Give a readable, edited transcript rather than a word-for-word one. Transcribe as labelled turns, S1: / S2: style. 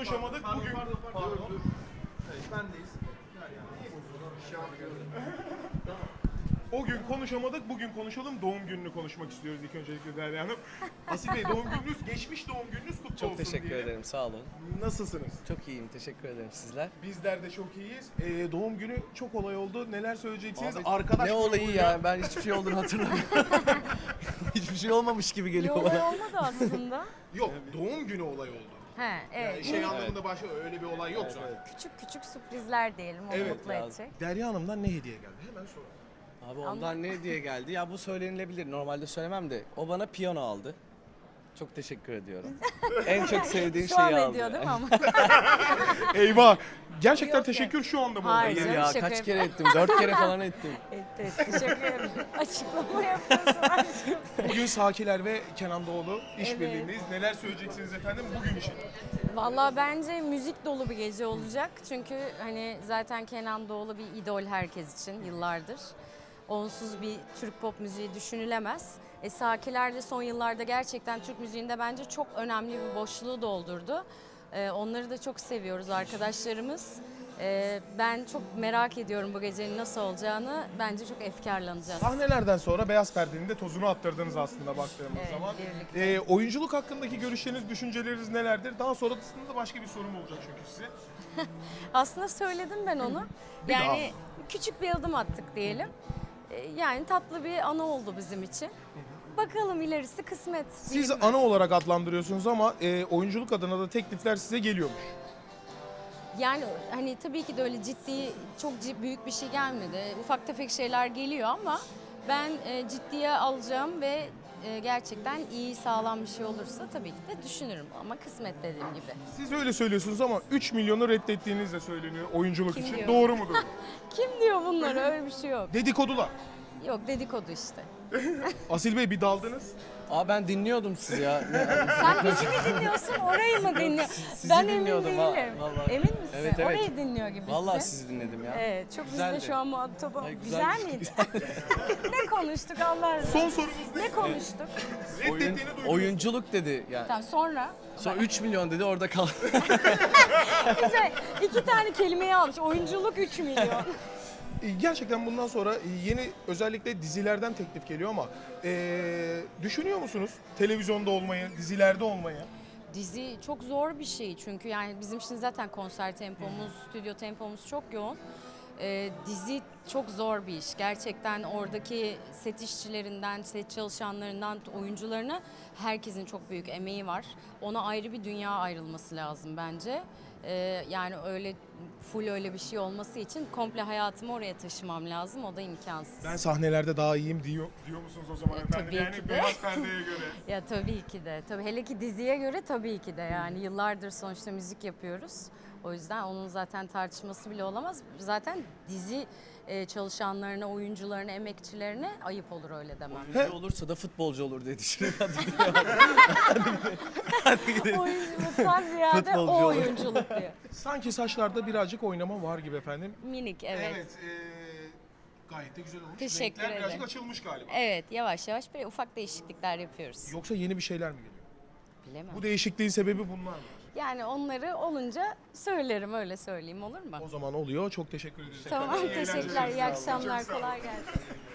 S1: konuşamadık. Bugün
S2: Pardon. Evet, bendeyiz.
S1: o gün konuşamadık. Bugün konuşalım. Doğum gününü konuşmak istiyoruz ilk öncelikle Derya Hanım. Asil Bey, doğum gününüz, geçmiş doğum gününüz kutlu olsun.
S3: Çok teşekkür
S1: diyelim.
S3: ederim, sağ olun.
S1: Nasılsınız?
S3: Çok iyiyim, teşekkür ederim sizler.
S1: Bizler de çok iyiyiz. Doğum günü çok olay oldu. Neler söyleyeceksiniz?
S3: Abi,
S1: Arkadaş
S3: ne olayı
S1: grubuyla-
S3: ya, ben hiçbir şey olduğunu hatırlamıyorum. Hiçbir şey olmamış gibi
S4: Bir
S3: geliyor
S4: olay
S3: bana.
S4: olmadı aslında.
S1: Yok, doğum günü olay oldu.
S4: He, evet.
S1: Yani şey anlamında başka öyle bir olay yok zaten.
S4: Küçük küçük sürprizler diyelim, onu
S1: Evet,
S4: mutlu
S3: lazım.
S4: edecek.
S1: Derya Hanım'dan ne hediye geldi? Hemen soralım.
S3: Abi ondan ne diye geldi? Ya bu söylenilebilir, normalde söylemem de. O bana piyano aldı. Çok teşekkür ediyorum. En çok sevdiğim
S4: Şu
S3: şeyi
S4: an
S3: aldı.
S4: ediyor değil mi ama?
S1: Eyvah! Gerçekten
S4: Yok,
S1: teşekkür şu anda mı
S4: Hayır.
S1: oldu?
S4: Canım,
S3: Ya
S4: şaka
S3: kaç kere ettim? 4 kere falan ettim.
S4: Evet, teşekkür ederim. Açıklama yapıyorsun aşkım.
S1: Bugün Sakiler ve Kenan Doğulu
S4: Evet.
S1: işbirliğindeyiz. Neler söyleyeceksiniz efendim bugün için?
S4: Vallahi bence müzik dolu bir gece olacak. Çünkü hani zaten Kenan Doğulu bir idol herkes için yıllardır. Onsuz bir Türk pop müziği düşünülemez. Sakiler de son yıllarda gerçekten Türk müziğinde bence çok önemli bir boşluğu doldurdu. Onları da çok seviyoruz arkadaşlarımız. Ben çok merak ediyorum bu gecenin nasıl olacağını. Bence çok efkarlanacağız.
S1: Sahnelerden sonra Beyaz Perde'nin de tozunu attırdınız aslında baktığımız
S4: Evet,
S1: zaman.
S4: birlikte.
S1: Oyunculuk hakkındaki görüşleriniz, düşünceleriniz nelerdir? Daha sonrasında da başka bir sorum olacak çünkü size.
S4: Aslında söyledim ben onu.
S1: Bir
S4: Yani küçük bir adım attık diyelim. Yani tatlı bir anı oldu bizim için. Bakalım ilerisi kısmet.
S1: Siz
S4: bilinmez.
S1: ana olarak adlandırıyorsunuz ama oyunculuk adına da teklifler size geliyormuş.
S4: Yani hani tabii ki de öyle ciddi, çok büyük bir şey gelmedi. Ufak tefek şeyler geliyor ama ben ciddiye alacağım ve gerçekten iyi, sağlam bir şey olursa tabii ki de düşünürüm. Ama kısmet dediğim gibi.
S1: Siz öyle söylüyorsunuz ama 3 milyonu reddettiğiniz de söyleniyor oyunculuk
S4: Kim
S1: için.
S4: diyor?
S1: Doğru mudur?
S4: Kim diyor bunları? Öyle bir şey yok.
S1: Dedikodular.
S4: Yok, dedikodu işte.
S1: Asil Bey bir daldınız.
S3: Aa ben dinliyordum sizi ya.
S4: Sen bizi mi dinliyorsun, orayı mı dinliyorsun?
S3: sizi
S4: Ben emin
S3: dinliyordum,
S4: değilim.
S3: vallahi.
S4: Emin misin?
S3: Evet, evet.
S4: Orayı dinliyor gibisin.
S3: Vallahi sizi dinledim ya.
S4: Evet, çok biz
S3: Güzeldi.
S4: de şu an muhatabım.
S3: Ay,
S4: Güzel miydi? Ne konuştuk Allah aşkına?
S1: Son sorumuz ne?
S4: Ne konuştuk?
S1: Reddettiğini duydunuz.
S3: Oyunculuk dedi yani.
S4: Tamam, sonra
S3: Sonra 3 milyon dedi, orada kaldı.
S4: güzel. 2 tane kelimeyi almış. Oyunculuk 3 milyon.
S1: Gerçekten bundan sonra yeni özellikle dizilerden teklif geliyor ama düşünüyor musunuz televizyonda olmayı, dizilerde olmayı?
S4: Dizi çok zor bir şey çünkü yani bizim şimdi zaten konser tempomuz, stüdyo tempomuz çok yoğun. Dizi çok zor bir iş. Gerçekten oradaki set işçilerinden, set çalışanlarından, oyuncularına herkesin çok büyük emeği var. Ona ayrı bir dünya ayrılması lazım bence. Yani öyle full öyle bir şey olması için komple hayatımı oraya taşımam lazım. O da imkansız.
S1: Ben sahnelerde daha iyiyim diyor musunuz o zaman efendim?
S4: tabii
S1: Yani
S4: ki de.
S1: Beyaz Perde'ye göre.
S4: Ya tabii ki de. Tabii hele ki diziye göre tabii ki de yani yıllardır sonuçta müzik yapıyoruz. O yüzden onun zaten tartışması bile olamaz. Zaten dizi çalışanlarına, oyuncularına, emekçilerine ayıp olur öyle demem.
S3: Oyuncu olursa da futbolcu olur diye düşünüyorum.
S4: Oyunculuktan ziyade
S3: Futbolcu
S4: o
S3: olur.
S4: oyunculuk diyor.
S1: Sanki saçlarda birazcık oynama var gibi efendim.
S4: Minik, evet.
S1: Gayet de güzel olmuş.
S4: Teşekkür
S1: Renkler birazcık
S4: ederim.
S1: açılmış galiba.
S4: Evet, yavaş yavaş böyle ufak değişiklikler yapıyoruz.
S1: Yoksa yeni bir şeyler mi geliyor?
S4: Bilemem.
S1: Bu değişikliğin sebebi bunlar mı?
S4: Yani onları olunca söylerim, öyle söyleyeyim, olur mu?
S1: O zaman oluyor. Çok teşekkür ederiz.
S4: Tamam,
S1: efendim. İyi
S4: teşekkürler.
S1: eğlenceler.
S4: İyi
S1: Sağ olun.
S4: akşamlar.
S1: Çok sağ olun.
S4: Kolay gelsin.